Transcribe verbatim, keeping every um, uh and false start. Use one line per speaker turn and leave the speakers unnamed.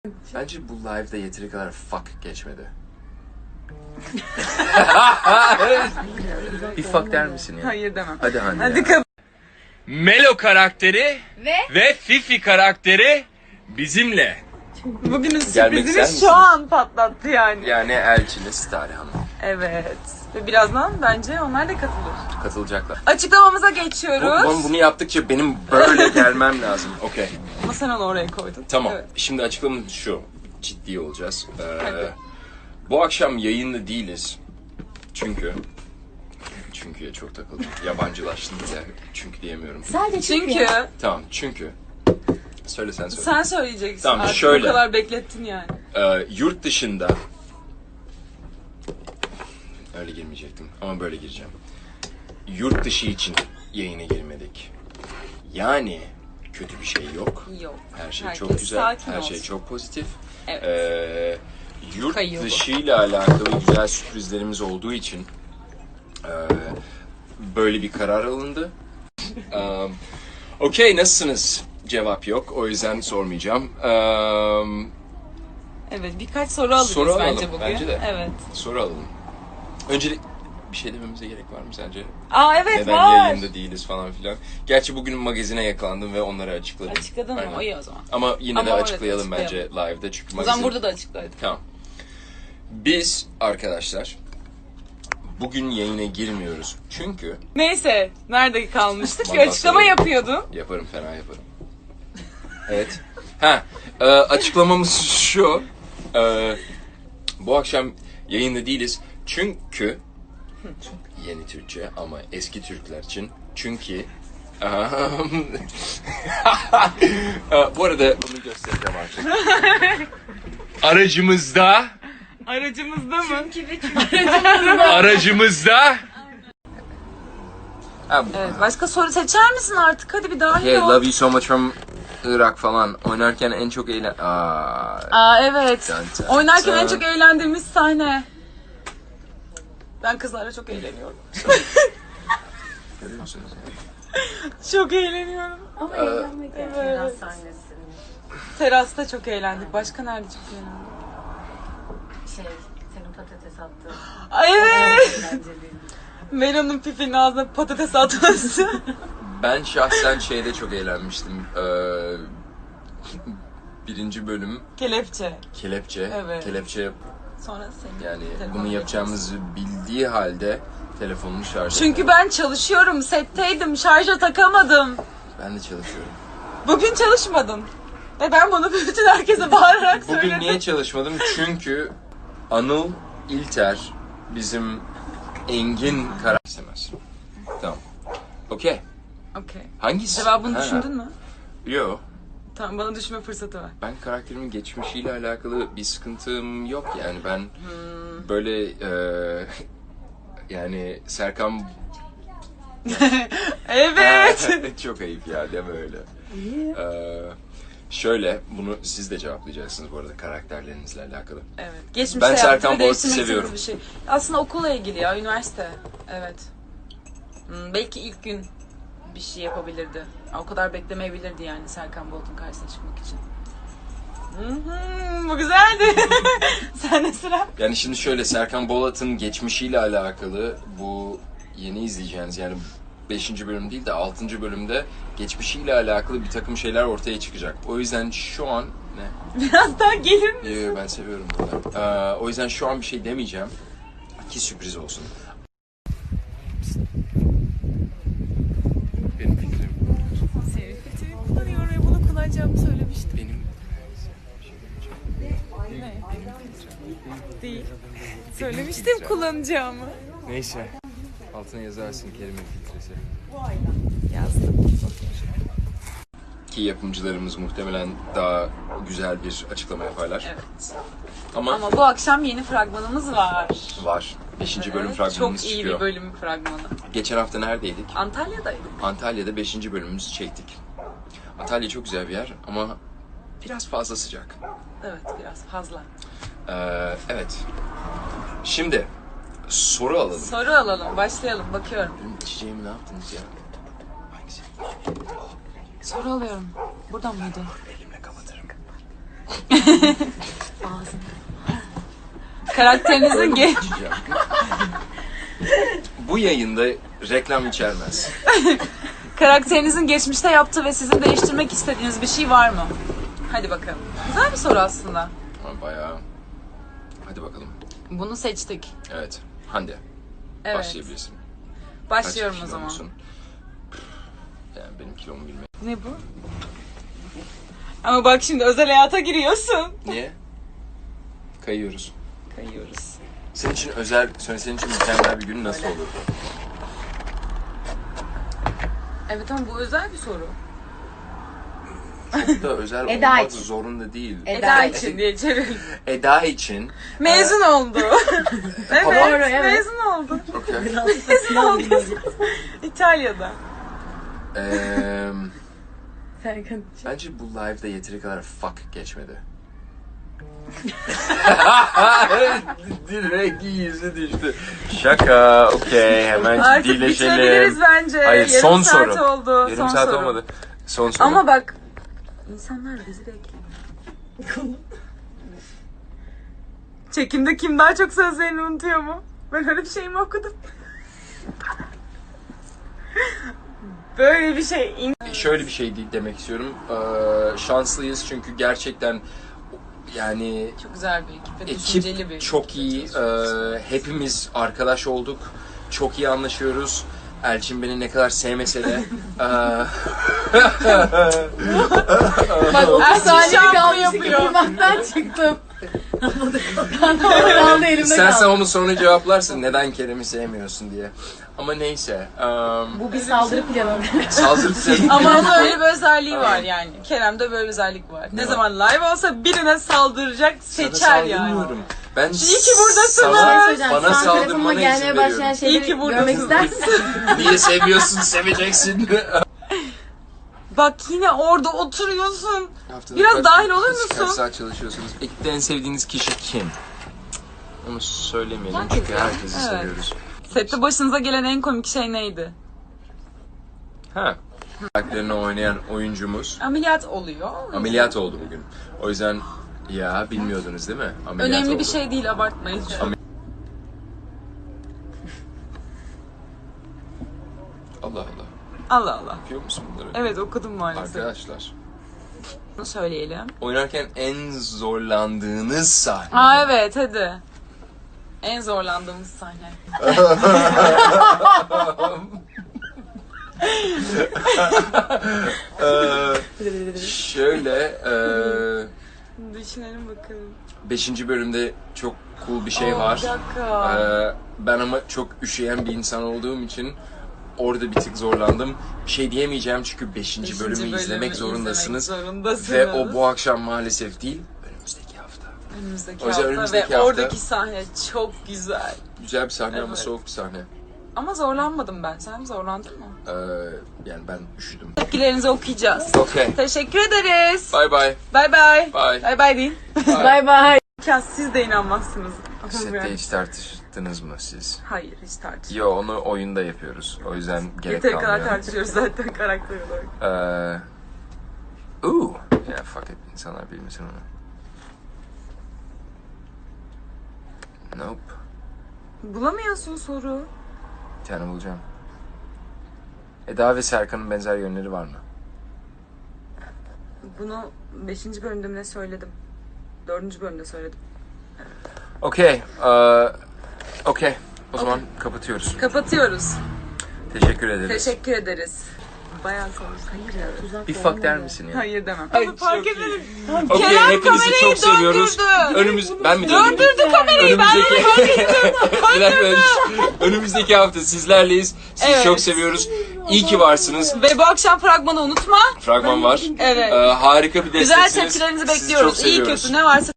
Bence bu live'da yeteri kadar fuck geçmedi. Bir fuck der misin ya?
Hayır demem.
Hadi Hande.
Hadi kabul.
Melo karakteri
Ve
ve Fifi karakteri bizimle.
Bugünün
Gelmek ister
sürprizini
misiniz?
şu an patlattı yani.
Yani Elçin'e Stare Hanım.
Evet. Ve birazdan bence onlar da katılır.
Katılacaklar.
Açıklamamıza
Bu,
geçiyoruz.
bunu, bunu yaptıkça benim böyle gelmem lazım. Okey.
Ama sen onu oraya koydun.
Tamam.
Evet.
Şimdi açıklamam şu. Ciddi olacağız. Ee,
Hadi.
bu akşam yayında değiliz. Çünkü... Çünkü'ye çok takıldım. Yabancılaştım ya. Çünkü diyemiyorum.
sadece
Çünkü
Tamam çünkü... Söyle sen söyle.
sen söyleyeceksin
Tamam,
artık.
şöyle.
O kadar beklettin yani.
Ee, yurt dışında... Öyle girmeyecektim ama böyle gireceğim. Yurt dışı için yayına girmedik. Yani kötü bir şey yok.
Yok.
Her şey
Herkes
çok güzel,
sakin
her
olsun.
şey çok pozitif.
Evet.
Ee, yurt
Kayıyor bu.
dışıyla alakalı güzel sürprizlerimiz olduğu için e, böyle bir karar alındı. um, Okey, nasılsınız? Cevap yok, o yüzden sormayacağım. Um,
Evet, birkaç soru alırız
Soru alalım,
bence bugün.
bence de.
Evet.
soru alalım. Öncelik bir şey dememize gerek var mı sence?
Aa evet
Neden
var.
yayında değiliz falan filan. Gerçi bugün magazine yakalandım ve onları açıkladım.
Açıkladın mı?
Aynen.
O iyi o zaman.
Ama yine
Ama
de
evet,
açıklayalım bence
açıklayalım.
live'da çünkü
O
magazin...
zaman burada da açıklayalım.
Tamam. Biz arkadaşlar bugün yayına girmiyoruz. Çünkü
Neyse, nerede kalmıştık? Bir
Vallahi
açıklama
söyleyeyim.
yapıyordun.
yaparım, fena yaparım. Evet. Ha, e, açıklamamız şu. E, bu akşam yayında değiliz. Çünkü yeni Türkçe ama eski Türkler için. Çünkü e, bu arada bunu göstereceğim artık.
Aracımızda,
Aracımızda mı?
aracımızda
Ha,
Evet, başka soru seçer misin artık? Hadi bir dahil
yeah,
ol.
Love You So Much from Irak falan oynarken en çok eğlen... Aa,
Aa evet.
Dun dun
Oynarken en
dun.
çok eğlendiğimiz sahne. Ben kızlarla çok eğleniyorum.
görüyor musunuz?
Çok eğleniyorum.
ama
Ee,
eğlenmek
evet.
evet. sahnesi.
Terasta çok eğlendik. Başka nerede çok eğlendik?
Şey, senin patates attığın.
Ay evet.
Eğlenceliydi.
Melon'un Fifi'nin ağzına patates atması.
Ben şahsen şeyde çok eğlenmiştim. Ee, birinci bölüm
Kelepçe.
kelepçe.
Evet.
Kelepçe
Sonra senin
yani
telefonunu
bunu yapacağımızı bildiği halde telefonunu şarj
Çünkü
etmedi.
ben çalışıyorum, setteydim, şarja takamadım.
Ben de çalışıyorum.
Bugün çalışmadın. Ve ben bunu bütün herkese bağırarak
Bugün
söyledim.
niye çalışmadım? Çünkü Anıl İlter bizim Engin karar istemez. Tamam. Okey.
Okey.
Hangisi?
Cevabını
Ha.
düşündün mü?
Yo.
Tamam, bana düşünme fırsatı ver.
Ben karakterimin geçmişiyle alakalı bir sıkıntım yok yani ben
Hmm.
böyle e, yani Serkan
Evet.
çok ayıp ya deme öyle. Ee, şöyle bunu siz de cevaplayacaksınız bu arada karakterlerinizle alakalı.
Evet. Geçmişte
Ben Serkan
yaptığı ve
Boğaz'ı
değiştirmek
seviyorum.
istediğiniz Bir şey. Aslında okulla ilgili ya, üniversite. Evet. Hmm, belki ilk gün bir şey yapabilirdi. O kadar beklemeyebilirdi yani Serkan Bolt'un karşısına çıkmak için. Hı hı, bu güzeldi. Sen de sıra.
Yani şimdi şöyle Serkan Bolat'ın geçmişiyle alakalı bu yeni izleyeceğiniz yani beşinci bölüm değil de altıncı bölümde geçmişiyle alakalı bir takım şeyler ortaya çıkacak. O yüzden şu an ne?
Biraz daha gelir mi?
Yo, yo, ben seviyorum bunu. Ee, o yüzden şu an bir şey demeyeceğim. Ki sürpriz olsun. Benim fikrim.
Senin fikrini kullanıyor ve bunu kullanacağımı söylemiştim.
Benim
Ne? Değil. Söylemiştim kullanacağımı.
neyse. Altına yazarsın Kerim'in filtresi.
Yazdım.
Ki yapımcılarımız muhtemelen daha güzel bir açıklama yaparlar.
Evet.
Ama,
Ama bu akşam yeni fragmanımız var.
var. Beşinci bölüm
Evet,
fragmanımız
çok iyi
çıkıyor.
bir bölüm fragmanı.
Geçen hafta neredeydik?
Antalya'daydık.
Antalya'da beşinci bölümümüzü çektik. Antalya çok güzel bir yer ama biraz fazla sıcak.
Evet, biraz fazla.
Ee, evet. Şimdi soru alalım.
Soru alalım, başlayalım. Bakıyorum.
Benim içeceğimi ne yaptınız ya? Hangisi?
Soru alıyorum. Buradan mıydı?
Elimle kapatırım.
Karakterinizin ge
İçeceğim. Bu yayında reklam içermez.
karakterinizin geçmişte yaptığı ve sizin değiştirmek istediğiniz bir şey var mı? Hadi bakalım. Güzel bir soru aslında.
Ama bayağı... Hadi bakalım.
Bunu seçtik.
Evet. Hande.
Evet.
Başlayabilirsin.
Başlıyorum
Kaç
o zaman.
kilomusun? Yani benim kilomu bilmek.
Ne bu? Ama bak şimdi özel hayata giriyorsun.
Niye? Kayıyoruz.
Kayıyoruz.
Senin için özel, senin için mükemmel bir gün nasıl olurdu?
Evet ama bu özel bir soru.
Çok da özel
Eda
olmak
için.
zorunda değil.
Eda,
Eda
için diye çevirelim.
Eda için.
Mezun oldu. evet,
Doğru, evet.
mezun oldu.
Okey.
Mezun oldu. İtalya'da.
Eee...
Serkan.
Bence bu live'da yeteri kadar fuck geçmedi. Direkt yüzü düştü. Şaka, okey, hemen
Artık
ciddileşelim.
bitirebiliriz bence.
Hayır,
Yarım
son
saat
soru.
oldu.
Yarım
son
saat
soru.
olmadı. Son soru.
Ama bak, insanlar bizi bekliyor. Çekimde kim daha çok sözlerini unutuyor mu? Ben öyle bir şey mi okudum? Böyle bir şey. İn-
Şöyle bir şey değil demek istiyorum. Ee, şanslıyız çünkü gerçekten yani
Çok güzel bir ekip ve düşünceli bir
ekip çok iyi. Ee, hepimiz arkadaş olduk. Çok iyi anlaşıyoruz. Elçin beni ne kadar sevmese de eee,
Bak o
Ersin
saniye
şampu
kalmıştı
yapıyor.
kırmaktan çıktım. Ben de orada kaldı elimde
İstersen
kaldı.
onu sonra cevaplarsın neden Kerem'i sevmiyorsun diye. Ama neyse. eee,
Bu bir saldırı planı.
saldırı planı.
Ama onun öyle bir özelliği var yani. Kerem'de böyle bir özellik var. Ne
Ne
zaman live olsa birine saldıracak,
Sana
seçer yani.
saldırmıyorum. Ben
İyi ki buradasınız.
sana-
Söyleyeceğim,
bana
şu an telefonuma
saldırmana izin
gelmeye başlayan
veriyorum.
İyi
şeyleri
ki buradasın.
görmek ister misin?
Niye seviyorsun, seveceksin.
Bak yine orada oturuyorsun.
Haftada
Biraz
kaç-
dahil olur
kaç- Kaç
musun?
saat çalışıyorsunuz? Ekipte en sevdiğiniz kişi kim? Onu söylemeyelim
Herkes
çünkü
ya.
herkesi
Evet.
seviyoruz.
Sette başınıza gelen en komik şey neydi?
Ha. Karakterini oynayan oyuncumuz
Ameliyat oluyor.
ameliyat oldu bugün. O yüzden ya bilmiyordunuz değil mi? Ameliyat
Önemli
oldu.
bir şey değil, abartmayın.
Am- Allah Allah.
Allah Allah.
Yapıyor musun bunları?
Evet okudum maalesef.
Arkadaşlar.
Bunu söyleyelim.
Oynarken en zorlandığınız sahne.
Aa evet hadi. En zorlandığımız sahne.
Ee, şöyle ee,
Düşünelim bakalım.
beşinci bölümde çok cool bir şey
Aa,
var.
Bir dakika.
Ee, ben ama çok üşüyen bir insan olduğum için orada bir tık zorlandım. Bir şey diyemeyeceğim çünkü beşinci
Beşinci
bölümü
bölümü
izlemek zorundasınız.
izlemek zorundasınız.
Ve o bu akşam maalesef değil, önümüzdeki hafta.
Önümüzdeki
O yüzden
hafta
önümüzdeki
ve
hafta-
oradaki sahne çok güzel.
Güzel bir sahne ama
Evet.
soğuk bir sahne.
Ama zorlanmadım ben. Sen zorlandın mı?
Ee, yani ben üşüdüm.
Tepkilerinizi okuyacağız.
Okay.
Teşekkür ederiz.
Bye bye.
Bye bye.
Bye.
Bye bye deyin.
Bay bay.
Ya siz de inanmazsınız. Ama
Sette
yani-
hiç tartıştınız mı siz?
Hayır hiç tartışmıyoruz.
Yo, onu oyunda yapıyoruz. O yüzden gerek
Yeteri kadar
kalmıyor.
tartışıyoruz zaten karakter olarak.
Ee, ooh. Ya fuck it. İnsanlar bilmesin onu. Nope.
Bulamıyorsun soru.
Bir tane bulacağım. Eda ve Serkan'ın benzer yönleri var mı?
Bunu beşinci bölümde mi ne söyledim? dördüncü bölümde söyledim.
Okey. ee, Okey. O zaman kapatıyoruz.
Kapatıyoruz.
Teşekkür ederiz.
Teşekkür ederiz. Bayağı sonuç. Hayır ya.
Bir fuck der misin ya?
Hayır demem.
Ay,
Ama fark
çok iyi.
edelim.
Okey,
Kerem
hepinizi
kamerayı
çok seviyoruz.
döndürdü.
Önümüz ben mi döndürdüm?
Döndürdü kamerayı. Ben
Önümüzdeki Bir dakika, önümüzdeki hafta sizlerleyiz. Sizi
Evet.
çok seviyoruz. İyi ki varsınız.
Ve bu akşam fragmanı unutma.
Fragman var.
Evet.
Ee, harika bir
Güzel
desteksiniz.
tepkilerinizi
Sizi çok
bekliyoruz. İyi
seviyoruz.
kötü ne varsa